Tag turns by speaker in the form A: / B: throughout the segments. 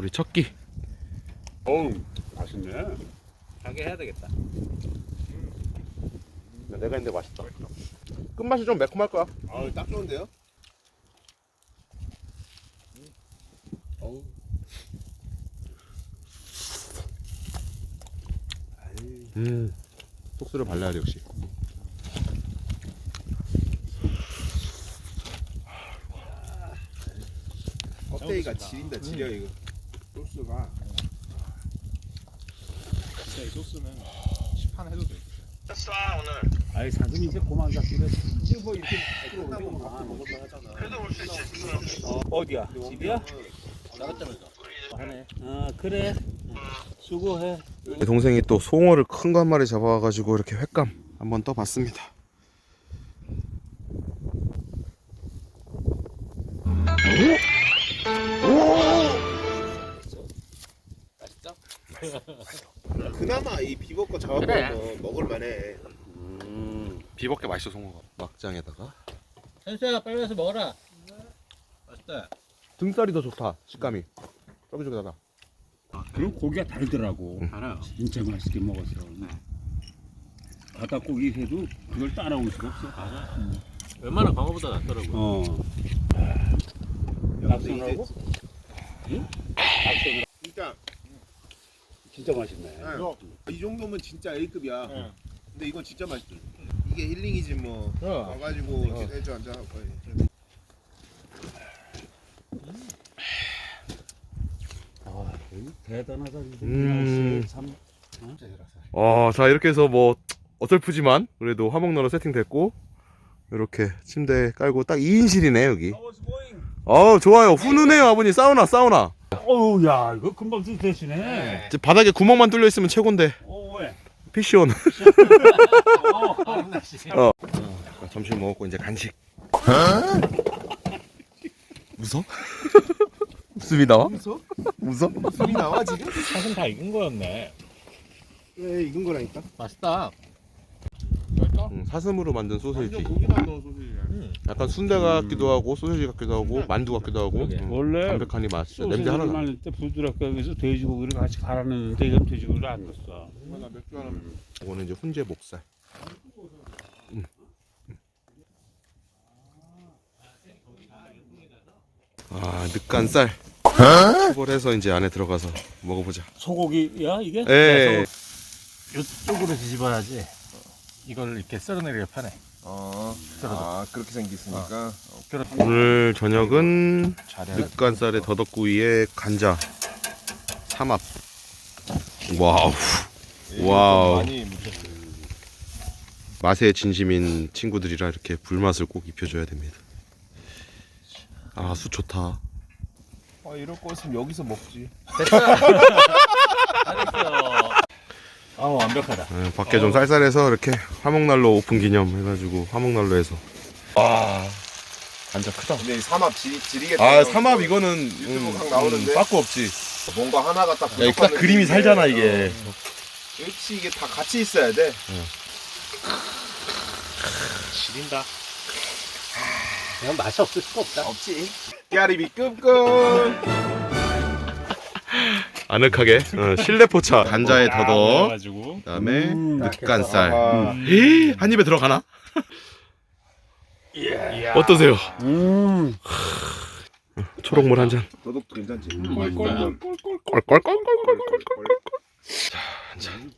A: 우리 첫끼.
B: 어우, 맛있네.
C: 가게 해야 되겠다.
A: 내가 했는데 맛있다. 끝맛이 좀 매콤할 거야.
D: 아, 딱 좋은데요? 어우.
A: 소스를 발라야 돼 역시.
D: 껍데기가 지린다 지려 이거. 소스가.
B: 진짜 이 소스는 시판해도 돼.
C: 아이 사슴 이제 고만 잡기를.
D: 지금 뭐 이렇게 끝나고 밥도 먹을만 하잖아.
C: 어디야? 집이야?
D: 나갔잖아.
C: 하네. 아 그래. 수고해.
A: 내 동생이 또 송어를 큰 거 한 마리 잡아가지고 이렇게 횟감 한번 떠봤습니다.
D: 그나마 이 비버거 잡아보면 먹을만해.
A: 비법게 맛있어 송어가. 막장에다가
C: 현수야 빨리 와서 먹어라. 맛있다.
A: 등살이 더 좋다. 식감이 쫄깃쫄깃하다.
B: 그리고 고기가 다르더라고.
C: 알아요.
B: 진짜 맛있게 먹었어. 바닷고기 해도 그걸 따라올 수가 없어.
C: 맞아. 웬만한 광어보다 낫더라고.
B: 어.
D: 낙선하고?
B: 응?
D: 진짜
B: 진짜 맛있네.
D: 이 정도면 진짜 A급이야. 근데 이건 진짜 맛있어. 이게 힐링이지 뭐. 와가지고 해줘 앉아.
B: 대단하다. 참.
A: 자 이렇게 해서 뭐 어설프지만 그래도 화목난로 세팅됐고 이렇게 침대 깔고 딱 2인실이네 여기. 좋아요. 훈훈해요 아버님. 사우나.
B: 어우, 야, 이거 금방 되시네.
A: 이제 바닥에 구멍만 뚫려 있으면 최고인데.
B: 왜?
A: 피시온. 점심 먹었고 이제 간식. 웃어? 웃음이 나와? 웃어?
D: 술이 나와 지금?
C: 사슴 다 익은 거였네.
D: 왜 익은 거라니까?
C: 맛있다.
A: 사슴으로 만든 소세지.
D: 고기만 넣은 소시지야.
A: 약간 순대 같기도 하고 소세지 같기도 하고 만두 같기도 하고.
C: 그러게.
B: 원래
A: 담백하니 맛있어. 냄새 하나 나.
B: 말릴 때 부드럽게 해서 돼지고기를 같이 갈아넣는데 이건 돼지고기를 안 넣었어.
D: 나 맥주 하나.
A: 이거는 이제 훈제 목살. 늑간살. 초벌해서 이제 안에 들어가서 먹어보자.
B: 소고기야 이게?
A: 예.
C: 이쪽으로 뒤집어야지. 이걸 이렇게 썰어내리게 편해.
D: 그렇게 생겼으니까.
A: 오늘 저녁은 늑간살에 더덕구이에 간자, 삼합. 와우.
D: 많이 묻혔어.
A: 맛에 진심인 친구들이라 이렇게 불맛을 꼭 입혀줘야 됩니다. 술 좋다.
D: 이럴 거였으면 여기서 먹지.
C: 잘했어. 완벽하다.
A: 밖에 좀 쌀쌀해서 이렇게 화목난로 오픈 기념 해가지고 화목난로에서. 간자 크다.
D: 근데 삼합 지리겠다.
A: 삼합 이거는
D: 유튜브 각 나오는데?
A: 빠꾸 없지.
D: 뭔가 하나가 딱.
A: 야, 딱
D: 부족한
A: 그림이
D: 느낌인데.
A: 살잖아 이게.
D: 역시 이게 다 같이 있어야 돼.
C: 지린다. 그냥 맛이 없을 수가 없다.
D: 없지. 깨알입이 끔끔.
A: 아늑하게 실내포차 간자에 더덕,
B: 가지고
A: 그다음에 늑간살.
D: 아,
A: 한 입에 들어가나? 어떠세요? 초록물 한 잔.
D: 도덕도 괜찮지.
A: 꼴꼴꼴꼴꼴꼴꼴꼴. 자, 한 잔.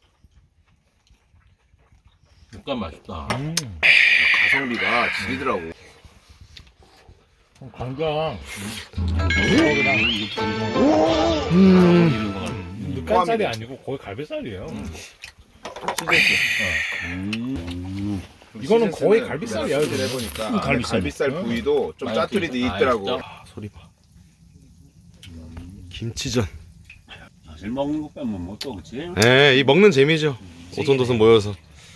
C: 육감 맛있다.
D: 가성비가 지리더라고.
C: 강장.
D: 늑간살이
C: 아니고 거의 갈비살이에요.
D: 이거는
C: 거의 갈비살이야,
D: 이거 해보니까
B: 갈비살.
D: 갈비살 부위도 좀 짜투리 돼 있더라고.
A: 소리 봐. 김치전.
B: 사실 먹는 거 빼면 뭐 또 그치?
A: 이 먹는 재미죠. 오손도손 모여서.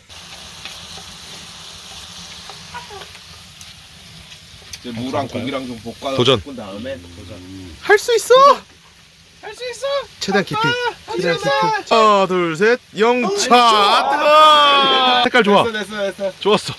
D: 이제 무랑 고기랑 좀 볶아.
A: 도전.
D: 볶은 다음에
A: 할 수 있어. 할 수 있어. 최대한 깊이. 최대한 깊이. 하나, 둘, 셋. 영차. 뜨거. 색깔 좋아.
D: 됐어.
A: 좋았어.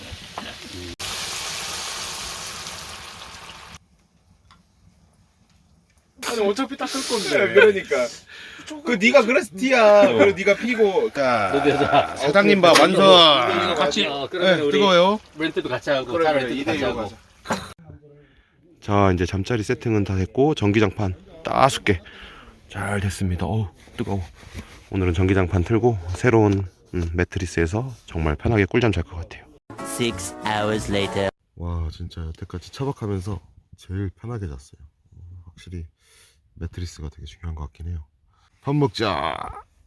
C: 아니 어차피 닦을 건데.
D: 그러니까. 그 네가 그래서 티야. 그리고 네가 피고. 자, 사장님 밥 완성.
C: 같이.
D: 네, 뜨거워요.
C: 렌트도 같이 하고
D: 그래,
C: 차
D: 그래,
C: 렌트도 같이
D: 이대로
C: 하고.
D: 가자.
A: 자 이제 잠자리 세팅은 다 됐고 전기장판 따숩게 잘 됐습니다. 어우 뜨거워. 오늘은 전기장판 틀고 새로운 매트리스에서 정말 편하게 꿀잠 잘 것 같아요.
E: 6 hours later.
A: 와 진짜 여태까지 차박하면서 제일 편하게 잤어요. 확실히 매트리스가 되게 중요한 것 같긴 해요. 밥 먹자.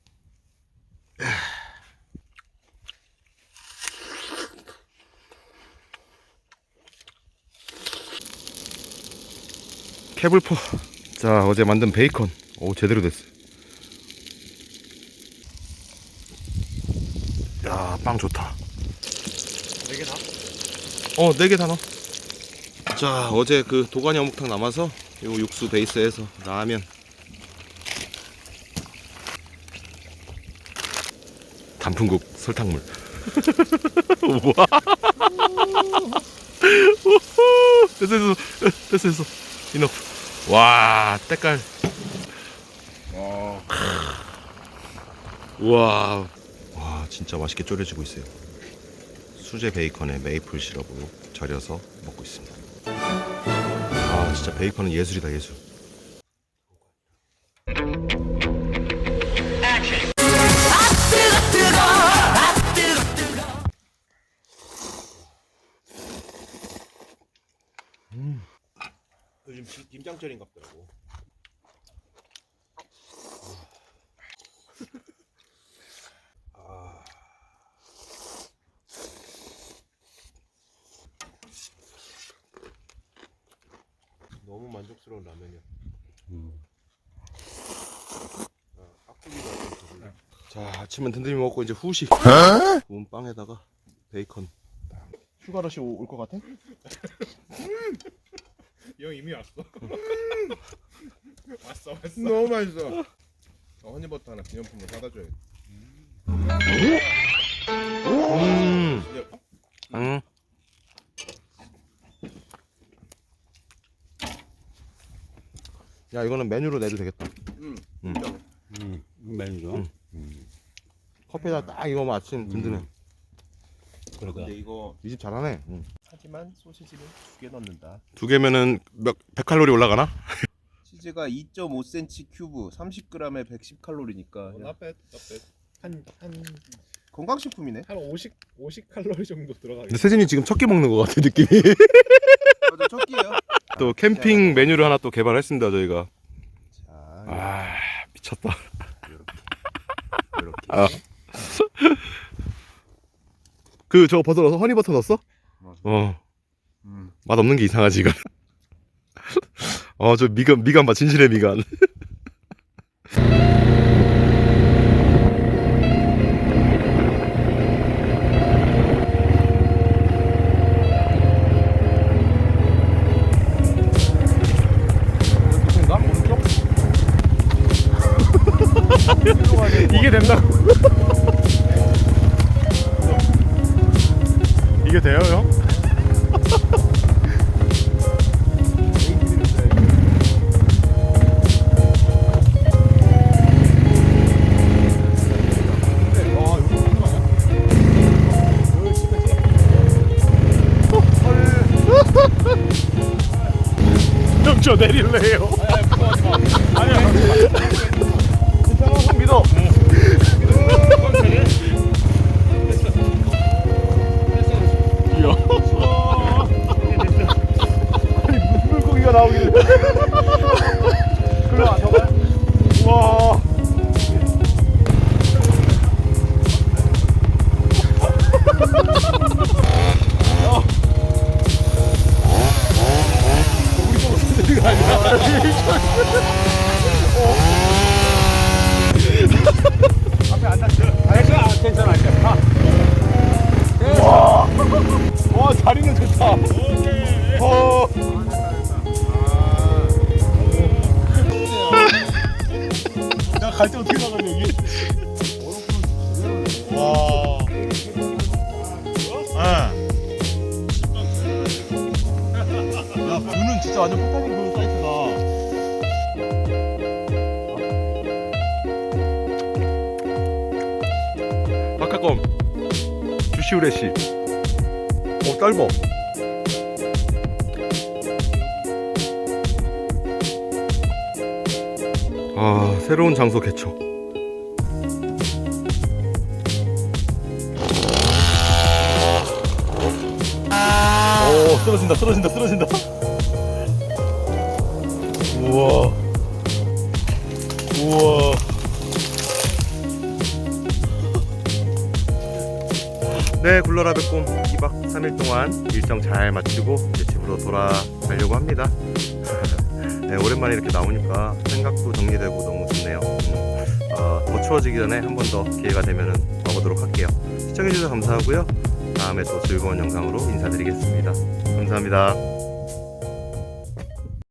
A: 캐블포. 자 어제 만든 베이컨. 오 제대로 됐어요. 야 빵 좋다. 4개 다? 4개 다 넣어. 자 어제 그 도가니 어묵탕 남아서 요 육수 베이스에서 라면, 단풍국, 설탕물. 우와. 됐어 이너프. 와 때깔. 우와. 와 진짜 맛있게 졸여지고 있어요. 수제 베이컨에 메이플 시럽으로 절여서 먹고 있습니다. 아 진짜 베이컨은 예술이다 예술.
D: 요즘 김장철인 같더라고. 너무 만족스러운 라면이야.
A: 자 아침은 든든히 먹고 이제 후식. 구운 빵에다가 베이컨. 휴가러시 올 것 같아?
D: 형 이미 왔어. 왔어. 너무 맛있어. 허니버터 하나 기념품으로 사다 줘야 돼.
A: 응. 야 이거는 메뉴로 내도 되겠다.
B: 메뉴죠.
A: 커피에다 딱 이거 아침 든든해.
B: 그러니까.
D: 근데 이거
A: 이 집 잘하네.
D: 하지만 소시지는 2개 넣는다.
A: 2개면은 100칼로리 올라가나?
D: 치즈가 2.5cm 큐브, 30g에 110칼로리니까. 한 건강식품이네.
F: 한 50 칼로리 정도 들어가겠네.
A: 근데 세진이 지금 첫 끼 먹는 것 같아 느낌이.
D: 맞아, 첫 끼예요.
A: 또 캠핑 메뉴를 하나 또 개발했습니다 저희가.
D: 자,
A: 아 미쳤다.
D: 이렇게.
A: 아. 그 저거 버섯 넣어서 허니버터 넣었어?
D: 맞아.
A: 맛 없는 게 이상하지 이거. 저 미간 봐 진실의 미간.
F: 이게 된다고? 이게 돼요, 형? 형, 저 내릴래요? 아니야.
A: 형 믿어.
F: 물고기가 나오길래. 글로 안 나가? 우와. 앞에 안 닿죠? 괜찮아. 와, 자리는 좋다. 나 갈 때 어떻게 나가냐 여기? 와. 야, 뷰는 진짜 완전 폭탄이 보는 사이트다.
A: 껌. 주시우레시. 짧어. 아, 새로운 장소 개척. 오, 쓰러진다. 우와. 네, 굴러라 백곰 2박 3일 동안 일정 잘 마치고 이제 집으로 돌아가려고 합니다. 네, 오랜만에 이렇게 나오니까 생각도 정리되고 너무 좋네요. 더 추워지기 전에 한 번 더 기회가 되면 와보도록 할게요. 시청해주셔서 감사하고요. 다음에 또 즐거운 영상으로 인사드리겠습니다. 감사합니다.